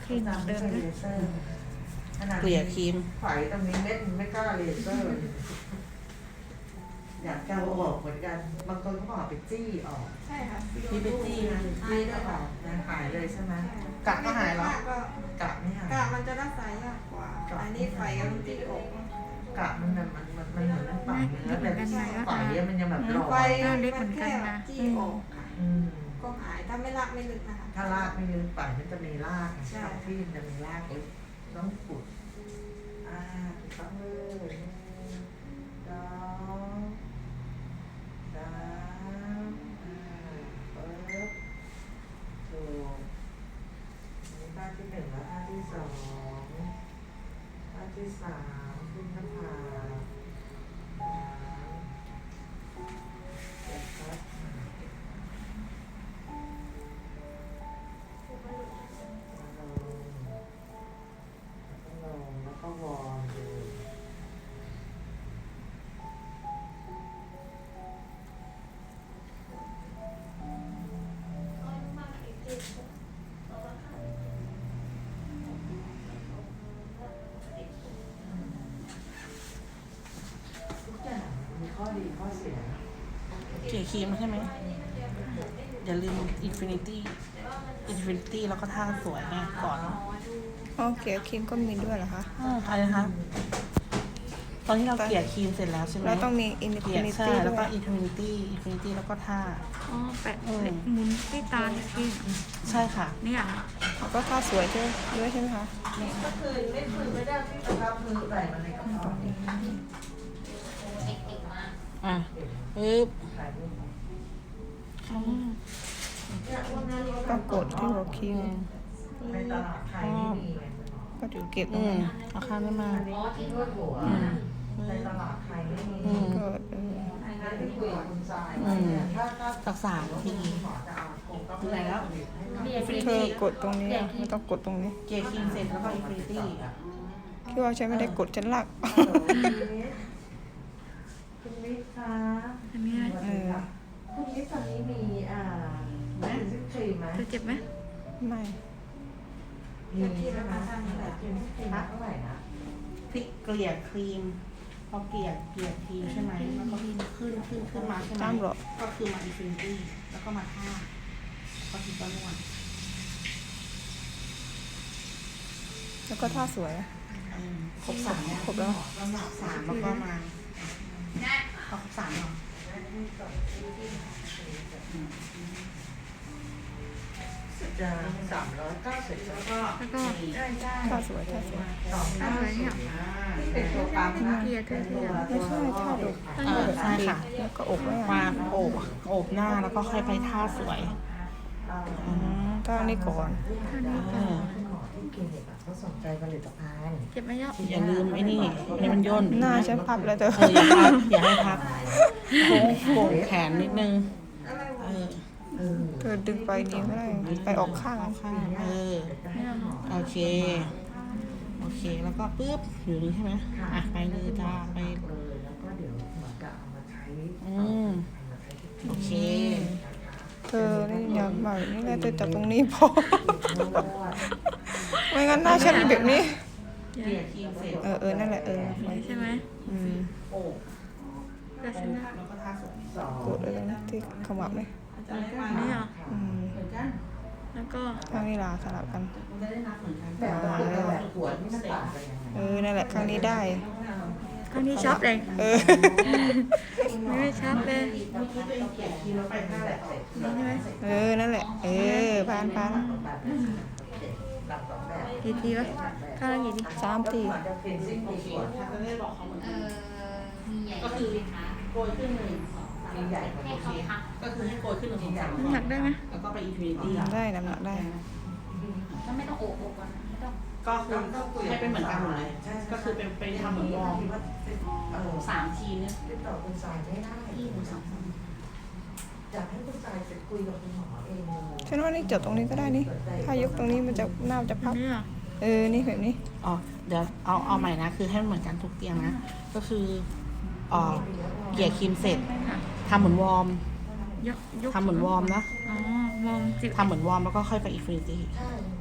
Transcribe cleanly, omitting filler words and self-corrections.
ครีมเหมือนเดิมนะเกลี่ยครีมไฝตรงนี้เม็ดไม่กล้าเลเซอร์อยากจะเอาออกเหมือนกัน บางคนก็บอกไปจี้ออกใช่ค่ะมีเป็นจี้นะจี้ก็ออกนะหายเลยใช่ไหมกะก็หายแล้วกะไม่หายกะมันจะรักษายากกว่า อันนี้ไฟกับมันจี้อกกะมันเหมือนมันปังเนื้อแต่ไฝมันยังแบบลอไฟยมันแค่จี้อกค่ะอืมก็หายถ้าไม่รักไม่ลึกนะคะถ้ารากไม่ลึกไฝมันจะมีรากใช่ที่มันจะมีรากลึกต้องขุดถูกต้องเลยสองสามปึ๊บถูกนี่ท่าที่หนึ่งแล้วท่าที่สองท่าที่สามขึ้นหน้าผากเก็บครับลงแล้วก็วอร์มดูทุกอย่างมีข้อดีข้อเสียเกลี่ยครีมใช่ไหมอย่าลืมอินฟินิตี้แล้วก็ท่าสวยไงก่อนอ๋อเกลี่ยครีมก็มีด้วยเหรอคะอะไรนะคะตอนที่เราเกลี่ยครีมเสร็จแล้วใช่ไหมแล้วต้องมีอินเกฟิลี่ยนิใช่ตี้แล้ด้ววก็ยอินฟินิตี้แล้วก็ท่าอ๋อแปะหมุนที่ตาเนี่ยพี่ใช่ค่ะเนี่ย เขาก็ท่าสวยด้วยใช่ไหมคะก็คือไม่ได้ที่จะทำมือใส่มันในกระเป๋าอ่ะปึ๊บถ่ายรูปก็กดที่หัวครีมในตลาดไทยไม่มีไงก็จะเก็บตรอืงมนั้นเอาข้างนี้มาอันนี้ที่นวดหัวในตลาดไทยไม่มีก็นั่นที่คุยกับคุณทรายถ้าสัก3 ทีหมอจะเอาคงต้องถึงไหนแล้วเธอกดตรงนี้ไม่ต้องกดตรงนี้เกลี่ยครีมเสร็จแล้วก็อินฟินิตี้พี่ว่าใช้ไม่ได้กดฉันลากคุณมิตรคะอันนี้คุณมิตรตอนนี้มีซิปครีมไหมจะเจ็บไหมไม่มีใช่ไหมแต่ครีมเท่าไหร่นะพลิกเกลี่ยครีมพอเกลี่ยครีมใช่ไหมแล้วก็ขึ้นมาใช่ไหมตามหรอก็คือมาอินฟินิตี้แล้วก็มาท่าก็คือก็นวดแล้วก็ท่าสวยครบ3เนี่ยครบแล้ว 3แล้วก็มาพอครบ3เหรอจะ390แล้วก็แล้วก็ท่าสวยเป็นตัวปั๊มนะไม่ใช่ท่าดุใช่ค่ะแล้วก็อกไว้มาโอบหน้าแล้วก็ค่อยไปท่าสวยท่านี้ก่อนคุณหมอที่คลินิกเขาสนใจผลิตภัณฑ์เจ็บไหมยะอย่าลืมไอ้นี่มันย่นหน้าฉันพับแล้วเธออย่าให้พับโก่งแขนนิดนึงเธอดึงไปนี้ก็ได้ไปออกข้างข้างโอเคแล้วก็ปึ๊บอยู่นี่ใช่ไหมอ่ะไปเลยจ้าไปแล้วก็เดี๋ยวหมอจะเอามาใช้โอเคเธอนี่อยากแบบนี้ไงเธอจับตรงนี้พอ ไม่งั้นหน้าฉันแบบนี้เกลี่ยครีมเสร็จนั่นแหละใช่ไหมโอบก็ฉันนะแล้วก็ท่าสวยกดเลยนะที่ขมับเลยนี่เหรอเหมือนกันแล้วก็ข้างนี้ลาสลับกันมันจะได้นับเหมือนกันแบบขวดนี่มันต่างกันยังไงนั่นแหละข้างนี้ได้ข้างนี้ชอบเลยไม่ชอบเลยเมื่อกี้ตัวเองเกลี่ยครีมแล้วไปท่าแหละนี่ใช่ไหมนั่นแหละผ่านหลังสองแบบกี่ทีวะข้างละกี่ที 3 ทีหมอจะเปลี่ยนซิ่งโอดีเคกว่าถ้าจะได้บอกเขาเหมือนกันก็คือโกยขึ้น1 2 มีใหญ่กว่า 3 นี้โอเคก็คือให้โกยขึ้น1 2 3 น้ำหนักได้ไหมแล้วก็ไปอินฟินิตี้ได้น้ำหนักได้ก็ไม่ต้องโอบก่อนนะไม่ต้องก็คือให้เป็นเหมือนกันหมดเลยก็คือเป็นทำเหมือนวอร์ม 3 ทีเนี่ยติดต่อคุณทรายไม่ได้ที่1 2 3 อยากให้คุณทรายไปคุยกับคุณหมอเองเลยฉันว่านี่จับตรงนี้ก็ได้นี่ ถ้ายกตรงนี้มันจะหน้ามันจะพับนี่เหรอนี่แบบนี้อ๋อเดี๋ยวเอาใหม่นะคือให้มันเหมือนกันทุกเตียงนะก็คือเกลี่ยครีมเสร็จทำเหมือนวอร์มยกทำเหมือนวอร์มนะอ๋อมองจิบทำเหมือนวอร์มแล้วก็ค่อยไปอินฟินิตี้ใช่